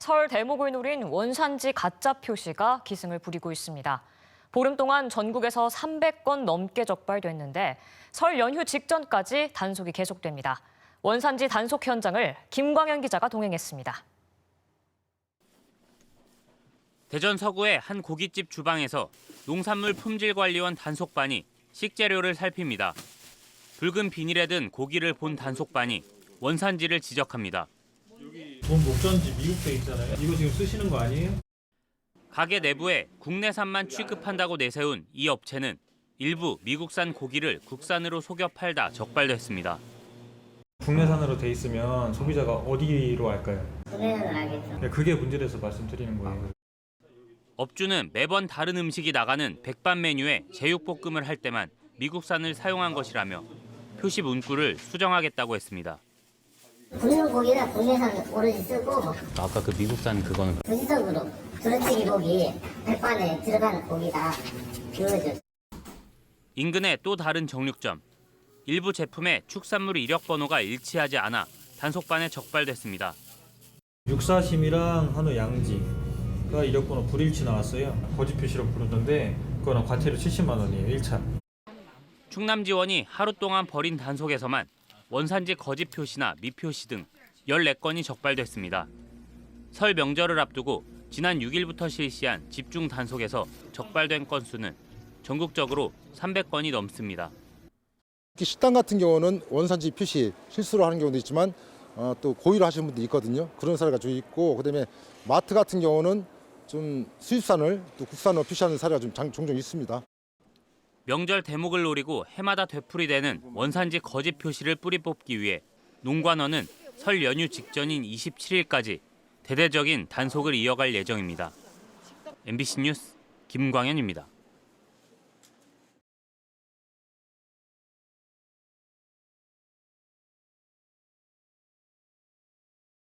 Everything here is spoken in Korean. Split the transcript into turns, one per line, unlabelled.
설 대목을 노린 원산지 가짜 표시가 기승을 부리고 있습니다. 보름 동안 전국에서 300건 넘게 적발됐는데 설 연휴 직전까지 단속이 계속됩니다. 원산지 단속 현장을 김광현 기자가 동행했습니다.
대전 서구의 한 고깃집 주방에서 농산물 품질관리원 단속반이 식재료를 살핍니다. 붉은 비닐에 든 고기를 본 단속반이 원산지를 지적합니다.
본 목전지 미국돼 있잖아요. 이거 지금 쓰시는 거 아니에요?
가게 내부에 국내산만 취급한다고 내세운 이 업체는 일부 미국산 고기를 국산으로 속여 팔다 적발됐습니다.
국내산으로 돼 있으면 소비자가 어디로 갈까요?
국내산을 알겠죠.
그게 문제라서 말씀드리는 거예요.
업주는 매번 다른 음식이 나가는 백반 메뉴에 제육볶음을 할 때만 미국산을 사용한 것이라며 표시 문구를 수정하겠다고 했습니다.
굽는 고기는 국내산 오로지 쓰고
아까 그 미국산 그거는
부지적으로 두루치기 고기 백반에 들어가는 고기다 그거죠.
인근의 또 다른 정육점. 일부 제품에 축산물 이력 번호가 일치하지 않아 단속반에 적발됐습니다.
육사심이랑 한우 양지가 이력번호 불일치 나왔어요. 거짓 표시로 부르던데 그거는 과태료 70만 원이에요. 1차.
충남지원이 하루 동안 벌인 단속에서만 원산지 거짓 표시나 미표시 등 14건이 적발됐습니다. 설 명절을 앞두고 지난 6일부터 실시한 집중 단속에서 적발된 건수는 전국적으로 300건이 넘습니다.
특히 식당 같은 경우는 원산지 표시 실수로 하는 경우도 있지만 또 고의로 하시는 분도 있거든요. 그런 사례가 좀 있고, 그다음에 마트 같은 경우는 좀 수입산을 또 국산으로 표시하는 사례가 좀 종종 있습니다.
명절 대목을 노리고 해마다 되풀이되는 원산지 거짓 표시를 뿌리 뽑기 위해 농관원은 설 연휴 직전인 27일까지 대대적인 단속을 이어갈 예정입니다. MBC 뉴스 김광현입니다.